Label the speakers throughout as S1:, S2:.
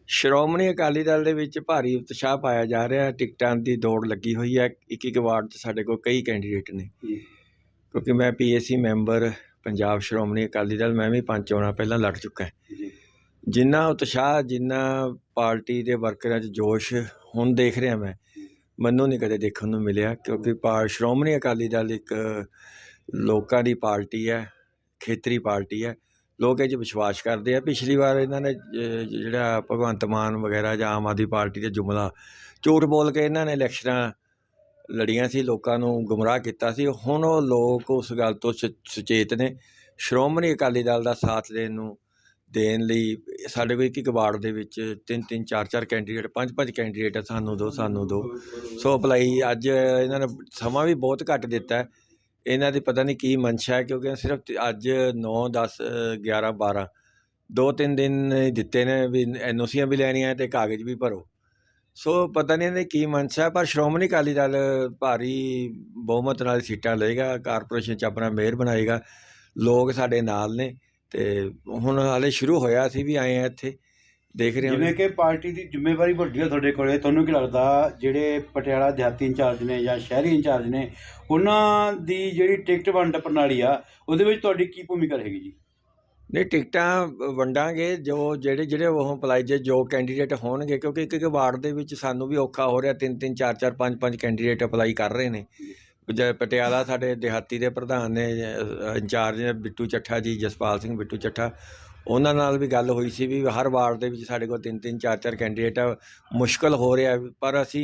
S1: ਸ਼੍ਰੋਮਣੀ ਅਕਾਲੀ ਦਲ ਦੇ ਵਿੱਚ ਭਾਰੀ ਉਤਸ਼ਾਹ ਪਾਇਆ ਜਾ ਰਿਹਾ। ਟਿਕਟਾਂ ਦੀ ਦੌੜ ਲੱਗੀ ਹੋਈ ਹੈ। ਇੱਕ ਵਾਰਡ 'ਚ ਸਾਡੇ ਕੋਲ ਕਈ ਕੈਂਡੀਡੇਟ ਨੇ, ਕਿਉਂਕਿ ਮੈਂ PAC ਮੈਂਬਰ ਪੰਜਾਬ ਸ਼੍ਰੋਮਣੀ ਅਕਾਲੀ ਦਲ, ਮੈਂ ਵੀ 5 ਚੋਣਾਂ ਪਹਿਲਾਂ ਲੜ ਚੁੱਕਾ। ਜਿੰਨਾ ਉਤਸ਼ਾਹ, ਜਿੰਨਾ ਪਾਰਟੀ ਦੇ ਵਰਕਰਾਂ 'ਚ ਜੋਸ਼ ਹੁਣ ਦੇਖ ਰਿਹਾ ਮੈਨੂੰ ਨਹੀਂ ਕਦੇ ਦੇਖਣ ਨੂੰ ਮਿਲਿਆ। ਕਿਉਂਕਿ ਸ਼੍ਰੋਮਣੀ ਅਕਾਲੀ ਦਲ ਇੱਕ ਲੋਕਾਂ ਦੀ ਪਾਰਟੀ ਹੈ, ਖੇਤਰੀ ਪਾਰਟੀ ਹੈ। ਲੋਕ ਇਹ 'ਚ ਵਿਸ਼ਵਾਸ ਕਰਦੇ ਆ। ਪਿਛਲੀ ਵਾਰ ਇਹਨਾਂ ਨੇ ਜਿਹੜਾ ਭਗਵੰਤ ਮਾਨ ਵਗੈਰਾ ਜਾਂ ਆਮ ਆਦਮੀ ਪਾਰਟੀ ਦੇ ਜੁਮਲਾ ਝੂਠ ਬੋਲ ਕੇ ਇਹਨਾਂ ਨੇ ਇਲੈਕਸ਼ਨਾਂ ਲੜੀਆਂ ਸੀ, ਲੋਕਾਂ ਨੂੰ ਗੁੰਮਰਾਹ ਕੀਤਾ ਸੀ। ਹੁਣ ਉਹ ਲੋਕ ਉਸ ਗੱਲ ਤੋਂ ਸੁਚੇਤ ਨੇ। ਸ਼੍ਰੋਮਣੀ ਅਕਾਲੀ ਦਲ ਦਾ ਸਾਥ ਦੇਣ ਲਈ ਸਾਡੇ ਕੋਲ ਇੱਕ ਵਾਰਡ ਦੇ ਵਿੱਚ 3-3, 4-4 ਕੈਂਡੀਡੇਟ, 5-5 ਕੈਂਡੀਡੇਟ ਆ। ਸਾਨੂੰ ਦਿਓ ਸੋ ਅਪਲਾਈ ਅੱਜ ਇਹਨਾਂ ਨੇ ਸਮਾਂ ਵੀ ਬਹੁਤ ਘੱਟ ਦਿੱਤਾ। ਇਹਨਾਂ ਦੀ ਪਤਾ ਨਹੀਂ ਕੀ ਮਨਸ਼ਾ ਹੈ, ਕਿਉਂਕਿ ਸਿਰਫ ਅੱਜ 9, 10, 11, 12 2-3 ਦਿਨ ਦਿੱਤੇ ਨੇ ਵੀ NOCਆਂ ਵੀ ਲੈਣੀਆਂ ਅਤੇ ਕਾਗਜ਼ ਵੀ ਭਰੋ। ਸੋ ਪਤਾ ਨਹੀਂ ਇਹਨੇ ਕੀ ਮਨਸ਼ਾ। ਪਰ ਸ਼੍ਰੋਮਣੀ ਅਕਾਲੀ ਦਲ ਭਾਰੀ ਬਹੁਮਤ ਨਾਲ ਸੀਟਾਂ ਲਏਗਾ, ਕਾਰਪੋਰੇਸ਼ਨ 'ਚ ਆਪਣਾ ਮੇਅਰ ਬਣਾਏਗਾ। ਲੋਕ ਸਾਡੇ ਨਾਲ ਨੇ ਅਤੇ ਹੁਣ ਹਾਲੇ ਸ਼ੁਰੂ ਹੋਇਆ, ਅਸੀਂ ਵੀ ਆਏ ਹਾਂ ਇੱਥੇ, ਦੇਖ ਰਹੇ ਹਾਂ।
S2: ਜਿਵੇਂ ਕਿ ਪਾਰਟੀ ਦੀ ਜ਼ਿੰਮੇਵਾਰੀ ਵੱਡੀ ਹੈ ਤੁਹਾਡੇ ਕੋਲ, ਤੁਹਾਨੂੰ ਕੀ ਲੱਗਦਾ ਜਿਹੜੇ ਪਟਿਆਲਾ ਦਿਹਾਤੀ ਇੰਚਾਰਜ ਨੇ ਜਾਂ ਸ਼ਹਿਰੀ ਇੰਚਾਰਜ ਨੇ, ਉਹਨਾਂ ਦੀ ਜਿਹੜੀ ਟਿਕਟ ਵੰਡ ਪ੍ਰਣਾਲੀ ਆ, ਉਹਦੇ ਵਿੱਚ ਤੁਹਾਡੀ ਕੀ ਭੂਮਿਕਾ ਰਹੇਗੀ ਜੀ?
S1: ਨਹੀਂ, ਟਿਕਟਾਂ ਵੰਡਾਂਗੇ ਜਿਹੜੇ ਉਹ ਅਪਲਾਈ ਜੋ ਕੈਂਡੀਡੇਟ ਹੋਣਗੇ, ਕਿਉਂਕਿ ਇੱਕ ਵਾਰਡ ਦੇ ਵਿੱਚ ਸਾਨੂੰ ਵੀ ਔਖਾ ਹੋ ਰਿਹਾ। 3-3, 4-4, 5-5 ਕੈਂਡੀਡੇਟ ਅਪਲਾਈ ਕਰ ਰਹੇ ਨੇ। ਪਟਿਆਲਾ ਸਾਡੇ ਦਿਹਾਤੀ ਦੇ ਪ੍ਰਧਾਨ ਨੇ, ਇੰਚਾਰਜ ਨੇ ਬਿੱਟੂ ਚੱਠਾ ਜੀ, ਜਸਪਾਲ ਸਿੰਘ ਬਿੱਟੂ ਚੱਠਾ। ਉਹਨਾਂ ਨਾਲ ਵੀ ਗੱਲ ਹੋਈ ਸੀ ਵੀ ਹਰ ਵਾਰਡ ਦੇ ਵਿੱਚ ਸਾਡੇ ਕੋਲ 3-3, 4-4 ਕੈਂਡੀਡੇਟ ਆ। ਮੁਸ਼ਕਿਲ ਹੋ ਰਿਹਾ, ਪਰ ਅਸੀਂ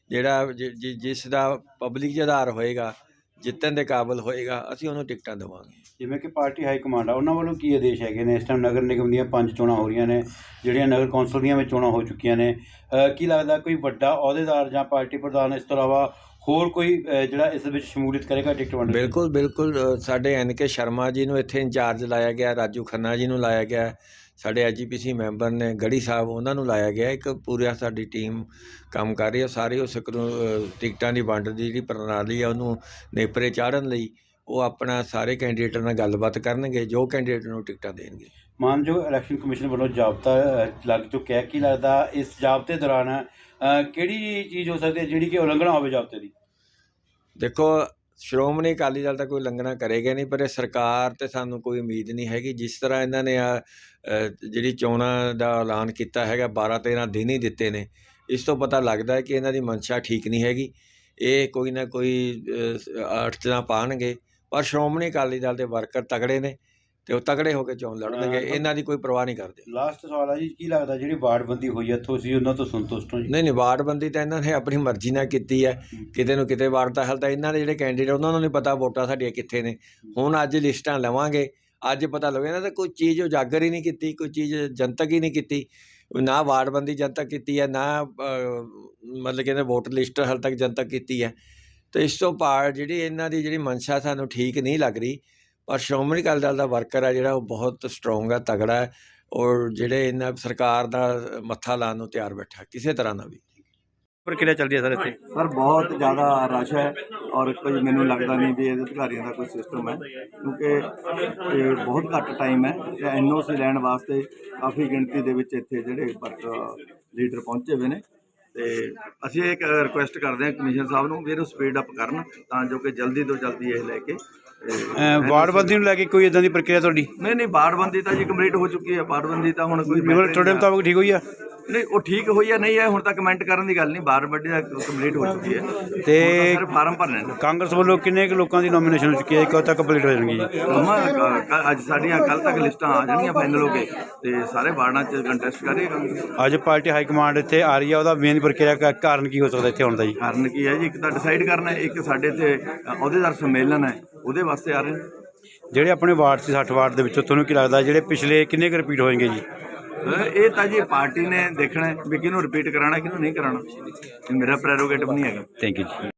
S1: ਜਿਸ ਦਾ ਪਬਲਿਕ 'ਚ ਆਧਾਰ ਹੋਏਗਾ, ਜਿੱਤਣ ਦੇ ਕਾਬਿਲ ਹੋਏਗਾ, ਅਸੀਂ ਉਹਨੂੰ ਟਿਕਟਾਂ ਦੇਵਾਂਗੇ।
S2: ਜਿਵੇਂ ਕਿ ਪਾਰਟੀ ਹਾਈ ਕਮਾਂਡ ਆ, ਉਹਨਾਂ ਵੱਲੋਂ ਕੀ ਆਦੇਸ਼ ਹੈਗੇ ਨੇ? ਇਸ ਟਾਈਮ ਨਗਰ ਨਿਗਮ ਦੀਆਂ 5 ਚੋਣਾਂ ਹੋ ਰਹੀਆਂ ਨੇ, ਜਿਹੜੀਆਂ ਨਗਰ ਕੌਂਸਲ ਦੀਆਂ ਵੀ ਚੋਣਾਂ ਹੋ ਚੁੱਕੀਆਂ ਨੇ। ਕੀ ਲੱਗਦਾ ਕੋਈ ਵੱਡਾ ਅਹੁਦੇਦਾਰ ਜਾਂ ਪਾਰਟੀ ਪ੍ਰਧਾਨ ਇਸ ਤੋਂ ਇਲਾਵਾ ਹੋਰ ਕੋਈ ਜਿਹੜਾ ਇਸ ਵਿੱਚ ਸ਼ਮੂਲੀਅਤ ਕਰੇਗਾ ਟਿਕਟ ਵੰਡ?
S1: ਬਿਲਕੁਲ ਸਾਡੇ NK ਸ਼ਰਮਾ ਜੀ ਨੂੰ ਇੱਥੇ ਇੰਚਾਰਜ ਲਾਇਆ ਗਿਆ, ਰਾਜੂ ਖੰਨਾ ਜੀ ਨੂੰ ਲਾਇਆ ਗਿਆ, ਸਾਡੇ IGPC ਮੈਂਬਰ ਨੇ ਗੜੀ ਸਾਹਿਬ, ਉਹਨਾਂ ਨੂੰ ਲਾਇਆ ਗਿਆ। ਇੱਕ ਪੂਰਾ ਸਾਡੀ ਟੀਮ ਕੰਮ ਕਰ ਰਹੀ ਹੈ। ਸਾਰੇ ਉਸ ਟਿਕਟਾਂ ਦੀ ਵੰਡ ਦੀ ਜਿਹੜੀ ਪ੍ਰਣਾਲੀ ਆ, ਉਹਨੂੰ ਨੇਪਰੇ ਚਾੜ੍ਹਨ ਲਈ ਉਹ ਆਪਣਾ ਸਾਰੇ ਕੈਂਡੀਡੇਟਾਂ ਨਾਲ ਗੱਲਬਾਤ ਕਰਨਗੇ, ਜੋ ਕੈਂਡੀਡੇਟ ਨੂੰ ਟਿਕਟਾਂ ਦੇਣਗੇ।
S2: ਮਾਨਯੋਗ ਇਲੈਕਸ਼ਨ ਕਮਿਸ਼ਨ ਵੱਲੋਂ ਜਾਬਤਾ ਲੱਗ ਚੁੱਕਿਆ। ਕੀ ਲੱਗਦਾ ਇਸ ਜਾਬਤੇ ਦੌਰਾਨ ਕਿਹੜੀ ਚੀਜ਼ ਹੋ ਸਕਦੀ ਹੈ ਜਿਹੜੀ ਕਿ ਉਲੰਘਣਾ ਹੋਵੇ ਜਾਬਤੇ ਦੀ?
S1: ਦੇਖੋ, ਸ਼੍ਰੋਮਣੀ ਅਕਾਲੀ ਦਲ ਤਾਂ ਕੋਈ ਉਲੰਘਣਾ ਕਰੇਗਾ ਨਹੀਂ, ਪਰ ਇਹ ਸਰਕਾਰ ਤੇ ਸਾਨੂੰ ਕੋਈ ਉਮੀਦ ਨਹੀਂ ਹੈਗੀ। ਜਿਸ ਤਰ੍ਹਾਂ ਇਹਨਾਂ ਨੇ ਜਿਹੜੀ ਚੋਣਾਂ ਦਾ ਐਲਾਨ ਕੀਤਾ ਹੈਗਾ, 12-13 ਦਿਨ ਹੀ ਦਿੱਤੇ ਨੇ, ਇਸ ਤੋਂ ਪਤਾ ਲੱਗਦਾ ਕਿ ਇਹਨਾਂ ਦੀ ਮਨਸ਼ਾ ਠੀਕ ਨਹੀਂ ਹੈਗੀ। ਇਹ ਕੋਈ ਨਾ ਕੋਈ ਅੜਚਣਾਂ ਪਾਉਣਗੇ, ਪਰ ਸ਼੍ਰੋਮਣੀ ਅਕਾਲੀ ਦਲ ਦੇ ਵਰਕਰ ਤਗੜੇ ਨੇ ਅਤੇ ਉਹ ਤਗੜੇ ਹੋ ਕੇ ਚੋਣ ਲੜਨਗੇ। ਇਹਨਾਂ ਦੀ ਕੋਈ ਪਰਵਾਹ ਨਹੀਂ ਕਰਦੇ।
S2: ਲਾਸਟ ਸਵਾਲ ਹੈ ਜੀ, ਕੀ ਲੱਗਦਾ ਜਿਹੜੀ ਵਾਰਡਬੰਦੀ ਹੋਈ ਹੈ ਤੁਸੀਂ ਉਹਨਾਂ ਤੋਂ ਸੰਤੁਸ਼ਟ ਹੋ ਜੀ?
S1: ਨਹੀਂ, ਵਾਰਡਬੰਦੀ ਤਾਂ ਇਹਨਾਂ ਨੇ ਆਪਣੀ ਮਰਜ਼ੀ ਨਾਲ ਕੀਤੀ ਹੈ। ਕਿਤੇ ਨੂੰ ਕਿਤੇ ਵਾਰਡ ਤਾਂ ਹਾਲੇ ਤਾਂ ਇਹਨਾਂ ਦੇ ਜਿਹੜੇ ਕੈਂਡੀਡੇਟ, ਉਹਨਾਂ ਨੂੰ ਨਹੀਂ ਪਤਾ ਵੋਟਾਂ ਸਾਡੀਆਂ ਕਿੱਥੇ ਨੇ। ਹੁਣ ਅੱਜ ਲਿਸਟਾਂ ਲਵਾਂਗੇ, ਅੱਜ ਪਤਾ ਲੱਗੇ। ਇਹਨਾਂ ਤਾਂ ਕੋਈ ਚੀਜ਼ ਉਜਾਗਰ ਹੀ ਨਹੀਂ ਕੀਤੀ, ਕੋਈ ਚੀਜ਼ ਜਨਤਕ ਹੀ ਨਹੀਂ ਕੀਤੀ। ਨਾ ਵਾਰਡਬੰਦੀ ਜਨਤਕ ਕੀਤੀ ਹੈ, ਨਾ ਮਤਲਬ ਕਿ ਵੋਟਰ ਲਿਸਟ ਹਾਲੇ ਤੱਕ ਜਨਤਕ ਕੀਤੀ ਹੈ। ਅਤੇ ਇਸ ਤੋਂ ਜਿਹੜੀ ਇਹਨਾਂ ਦੀ ਜਿਹੜੀ ਮਨਸ਼ਾ ਸਾਨੂੰ ਠੀਕ ਨਹੀਂ ਲੱਗ ਰਹੀ। ਪਰ ਸ਼੍ਰੋਮਣੀ ਅਕਾਲੀ ਦਲ ਦਾ ਵਰਕਰ ਹੈ ਜਿਹੜਾ, ਉਹ ਬਹੁਤ ਸਟਰੋਂਗ ਹੈ, ਤਗੜਾ ਹੈ, ਔਰ ਜਿਹੜੇ ਇਹਨਾਂ ਸਰਕਾਰ ਦਾ ਮੱਥਾ ਲਾਉਣ ਨੂੰ ਤਿਆਰ ਬੈਠਾ ਕਿਸੇ ਤਰ੍ਹਾਂ ਦਾ ਵੀ।
S2: ਪ੍ਰਕਿਰਿਆ ਚੱਲਦੀ ਹੈ ਸਰ ਇੱਥੇ?
S3: ਸਰ ਬਹੁਤ ਜ਼ਿਆਦਾ ਰਸ਼ ਹੈ, ਔਰ ਕੋਈ ਮੈਨੂੰ ਲੱਗਦਾ ਨਹੀਂ ਵੀ ਇਹ ਅਧਿਕਾਰੀਆਂ ਦਾ ਕੋਈ ਸਿਸਟਮ ਹੈ, ਕਿਉਂਕਿ ਇਹ ਬਹੁਤ ਘੱਟ ਟਾਈਮ ਹੈ। NOC ਲੈਣ ਵਾਸਤੇ ਕਾਫੀ ਗਿਣਤੀ ਦੇ ਵਿੱਚ ਇੱਥੇ ਜਿਹੜੇ ਲੀਡਰ ਪਹੁੰਚੇ ਹੋਏ ਨੇ। ਅਤੇ ਅਸੀਂ ਇੱਕ ਰਿਕੁਐਸਟ ਕਰਦੇ ਹਾਂ ਕਮਿਸ਼ਨਰ ਸਾਹਿਬ ਨੂੰ ਵੀ ਇਹਨੂੰ ਸਪੀਡ ਅਪ ਕਰਨ, ਤਾਂ ਜੋ ਕਿ ਜਲਦੀ ਤੋਂ ਜਲਦੀ ਇਹ ਲੈ ਕੇ
S2: ਵਾਰਡਬੰਦੀ ਨੂੰ ਲੈ ਕੇ ਕੋਈ ਇੱਦਾਂ ਦੀ ਪ੍ਰਕਿਰਿਆ ਤੁਹਾਡੀ?
S3: ਨਹੀਂ, ਵਾਰਡਬੰਦੀ ਤਾਂ ਜੀ ਕੰਪਲੀਟ ਹੋ ਚੁੱਕੀ ਹੈ। ਵਾਰਡਬੰਦੀ ਤਾਂ ਹੁਣ ਕੋਈ
S2: ਤੁਹਾਡੇ ਮੁਤਾਬਕ ਠੀਕ ਹੋਈ ਆ?
S3: ਨਹੀਂ, ਉਹ ਠੀਕ ਹੋਈ ਹੈ ਨਹੀਂ ਹੈ, ਹੁਣ ਤਾਂ ਕਮੈਂਟ ਕਰਨ ਦੀ ਗੱਲ ਨਹੀਂ। ਵਾਰਡਬੰਦੀ ਤਾਂ ਕੰਪਲੀਟ ਹੋ ਚੁੱਕੀ ਹੈ
S2: ਅਤੇ
S3: ਸਾਰੇ ਫਾਰਮ ਭਰਨੇ ਨੇ।
S2: ਕਾਂਗਰਸ ਵੱਲੋਂ ਕਿੰਨੇ ਕੁ ਲੋਕਾਂ ਦੀ ਨੋਮੀਨੇਸ਼ਨ ਹੋ ਚੁੱਕੀ ਹੈ? ਕਦੋਂ ਤੱਕ ਕੰਪਲੀਟ ਹੋ ਜਾਣਗੀ?
S3: ਅੱਜ ਸਾਡੀਆਂ ਕੱਲ੍ਹ ਤੱਕ ਲਿਸਟਾਂ ਆ ਜਾਣਗੀਆਂ ਫਾਈਨਲ ਹੋ ਕੇ, ਅਤੇ ਸਾਰੇ ਵਾਰਡਾਂ 'ਚ ਕੰਟੈਸਟ ਕਰੇਗਾ।
S2: ਅੱਜ ਪਾਰਟੀ ਹਾਈ ਕਮਾਂਡ ਇੱਥੇ ਆ ਰਹੀ ਹੈ, ਉਹਦਾ ਮੇਨ ਪ੍ਰਕਿਰਿਆ ਕਾਰਨ ਕੀ ਹੋ ਸਕਦਾ ਇੱਥੇ ਆਉਣ ਦਾ ਜੀ?
S3: ਕਾਰਨ ਕੀ ਹੈ ਜੀ? ਇੱਕ ਤਾਂ ਡਿਸਾਈਡ ਕਰਨਾ, ਇੱਕ ਸਾਡੇ ਇੱਥੇ ਅਹੁਦੇਦਾਰ ਸੰਮੇਲਨ ਹੈ, ਉਹਦੇ ਵਾਸਤੇ ਆ ਰਹੇ ਨੇ।
S2: ਜਿਹੜੇ ਆਪਣੇ ਵਾਰਡ ਸੀ 60 ਵਾਰਡ ਦੇ ਵਿੱਚੋਂ ਤੁਹਾਨੂੰ ਕੀ ਲੱਗਦਾ ਜਿਹੜੇ ਪਿਛਲੇ ਕਿੰਨੇ ਕੁ ਰਿਪੀਟ ਹੋਣਗੇ ਜੀ?
S3: ਇਹ ਤਾਂ ਜੀ ਪਾਰਟੀ ਨੇ ਦੇਖਣਾ ਵੀ ਕਿਹਨੂੰ ਰਿਪੀਟ ਕਰਾਉਣਾ, ਕਿਹਨੂੰ ਨਹੀਂ ਕਰਾਉਣਾ। ਮੇਰਾ ਪ੍ਰੈਰੋਗੇਟਿਵ ਨਹੀਂ ਹੈਗਾ।
S2: ਥੈਂਕ ਯੂ ਜੀ।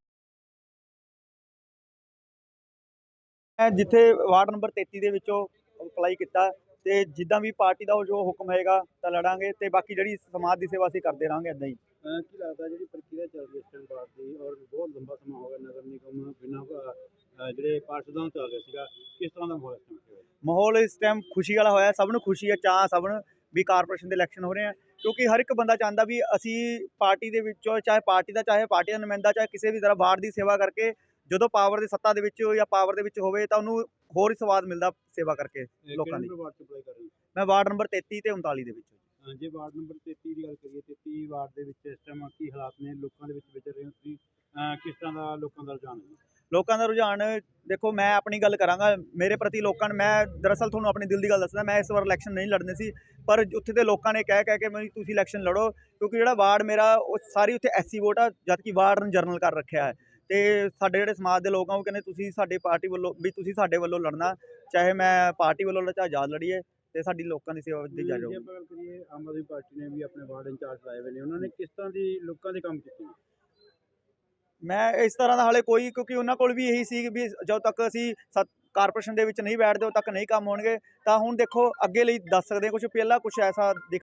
S4: ਜਿੱਥੇ ਵਾਰਡ ਨੰਬਰ 33 ਦੇ ਵਿੱਚੋਂ ਅਪਲਾਈ ਕੀਤਾ, ਅਤੇ ਜਿੱਦਾਂ ਵੀ ਪਾਰਟੀ ਦਾ ਜੋ ਹੁਕਮ ਹੋਏਗਾ ਤਾਂ ਲੜਾਂਗੇ, ਅਤੇ ਬਾਕੀ ਜਿਹੜੀ ਸਮਾਜ ਦੀ ਸੇਵਾ ਅਸੀਂ ਕਰਦੇ ਰਹਾਂਗੇ ਇੱਦਾਂ ਹੀ।
S2: ਕੀ ਲੱਗਦਾ ਜਿਹੜੀ ਪ੍ਰਕਿਰਿਆ ਚੱਲ ਰਹੀ ਹੈ ਇਸ ਵਾਰ ਦੀ, ਔਰ ਬਹੁਤ ਲੰਬਾ ਸਮਾਂ ਹੋ ਗਿਆ ਨਗਰ ਨਿਗਮ ਬਿਨਾਂ ਜਿਹੜੇ ਪਾਰਸ਼ਦਾਂ ਚੱਲ ਰਿਹਾ ਸੀਗਾ, ਕਿਸ ਤਰ੍ਹਾਂ ਦਾ ਮਾਹੌਲ ਇਸ ਟਾਈਮ?
S4: ਮਾਹੌਲ ਇਸ ਟਾਈਮ ਖੁਸ਼ੀ ਵਾਲਾ ਹੋਇਆ। ਸਭ ਨੂੰ ਖੁਸ਼ੀ ਹੈ, ਚਾਅ ਸਭ ਨੂੰ ਵੀ ਕਾਰਪੋਰੇਸ਼ਨ ਦੇ ਇਲੈਕਸ਼ਨ ਹੋ ਰਹੇ ਆ, ਕਿਉਂਕਿ ਹਰ ਇੱਕ ਬੰਦਾ ਚਾਹੁੰਦਾ ਵੀ ਅਸੀਂ ਪਾਰਟੀ ਦੇ ਵਿੱਚੋਂ ਚਾਹੇ ਪਾਰਟੀ ਦਾ ਨੁਮਾਇੰਦਾ ਚਾਹੇ ਕਿਸੇ ਵੀ ਤਰ੍ਹਾਂ ਵਾਰਡ ਦੀ ਸੇਵਾ ਕਰਕੇ ਜਦੋਂ ਪਾਵਰ ਦੀ ਸੱਤਾ ਦੇ ਵਿੱਚ ਜਾਂ ਪਾਵਰ ਦੇ ਵਿੱਚ ਹੋਵੇ ਤਾਂ ਉਹਨੂੰ ਹੋਰ ਹੀ ਸਵਾਦ ਮਿਲਦਾ ਸੇਵਾ ਕਰਕੇ ਲੋਕਾਂ ਦੀ।
S2: ਵਾਰਡ ਚ ਅਪਲਾਈ ਕਰ ਰਹੇ
S4: ਮੈਂ ਵਾਰਡ ਨੰਬਰ 33 ਤੇ 39 ਦੇ ਵਿੱਚ।
S2: ਹੋ ਜੇ ਵਾਰਡ ਨੰਬਰ 33 ਦੀ ਗੱਲ ਕਰੀਏ, 33 ਵਾਰਡ ਦੇ ਵਿੱਚ ਇਸ ਟਾਈਮ ਕੀ ਹਾਲਾਤ ਨੇ, ਲੋਕਾਂ ਦੇ ਵਿੱਚ ਵਿਚਰ ਰਹੇ ਹੋ ਤੁਸੀਂ, ਕਿਸ ਤਰ੍ਹਾਂ ਦਾ ਲੋਕਾਂ ਦਾ ਰੁਝਾਨ ਹੈ?
S4: ਲੋਕਾਂ ਦਾ ਰੁਝਾਨ ਦੇਖੋ, ਮੈਂ ਆਪਣੀ ਗੱਲ ਕਰਾਂਗਾ, ਮੇਰੇ ਪ੍ਰਤੀ ਲੋਕਾਂ ਨੇ, ਮੈਂ ਦਰਅਸਲ ਤੁਹਾਨੂੰ ਆਪਣੀ ਦਿਲ ਦੀ ਗੱਲ ਦੱਸਦਾ, ਮੈਂ ਇਸ ਵਾਰ ਇਲੈਕਸ਼ਨ ਨਹੀਂ ਲੜਨੀ ਸੀ, ਪਰ ਉੱਥੇ ਦੇ ਲੋਕਾਂ ਨੇ ਕਹਿ ਕੇ ਮੈਨੂੰ ਤੁਸੀਂ ਇਲੈਕਸ਼ਨ ਲੜੋ, ਕਿਉਂਕਿ ਜਿਹੜਾ ਵਾਰਡ ਮੇਰਾ ਉਹ ਸਾਰੀ ਉੱਥੇ ਐਸਸੀ ਵੋਟ ਆ, ਜਦ ਕਿ ਵਾਰਡ ਨੂੰ ਜਰਨਲ ਕਰ ਰੱਖਿਆ ਹੈ। ਤੇ ਸਾਡੇ ਜਿਹੜੇ ਸਮਾਜ ਦੇ ਲੋਕ ਆ ਉਹ ਕਹਿੰਦੇ ਤੁਸੀਂ ਸਾਡੀ ਪਾਰਟੀ ਵੱਲੋਂ ਵੀ ਤੁਸੀਂ ਸਾਡੇ ਵੱਲੋਂ ਲੜਨਾ, ਚਾਹੇ ਮੈਂ ਪਾਰਟੀ ਵੱਲੋਂ ਚਾਹੇ ਆਜ਼ਾਦ ਲੜੀਏ, ਤੇ ਸਾਡੀ ਲੋਕਾਂ ਦੀ ਸੇਵਾ ਦੀ ਜਾਰੀ
S2: ਜੇ ਆਪਾਂ ਗੱਲ ਕਰੀਏ, ਆਮ ਆਦਮੀ ਪਾਰਟੀ ਨੇ ਵੀ ਆਪਣੇ ਵਾਰਡ ਇੰਚਾਰਜ ਲਾਏ ਹੋਏ ਨੇ, ਉਹਨਾਂ ਨੇ ਕਿਸ ਤਰ੍ਹਾਂ ਦੀ ਲੋਕਾਂ ਦੇ ਕੰਮ ਕੀਤੇ ਨੇ?
S4: ਮੈਂ ਇਸ ਤਰ੍ਹਾਂ ਦਾ ਹਾਲੇ ਕੋਈ, ਕਿਉਂਕਿ ਉਹਨਾਂ ਕੋਲ ਵੀ ਇਹੀ ਸੀ ਵੀ ਜਦੋਂ ਤੱਕ ਅਸੀਂ ਕਾਰਪੋਰੇਸ਼ਨ ਦੇ ਵਿੱਚ ਨਹੀਂ ਬੈਠਦੇ ਉਦੋਂ ਤੱਕ ਨਹੀਂ ਕੰਮ ਹੋਣਗੇ, ਤਾਂ ਹੁਣ ਦੇਖੋ ਅੱਗੇ ਲਈ ਦੱਸ ਸਕਦੇ ਕੁਝ ਪਹਿਲਾਂ ਕੁਝ ਐਸਾ ਦਿਖ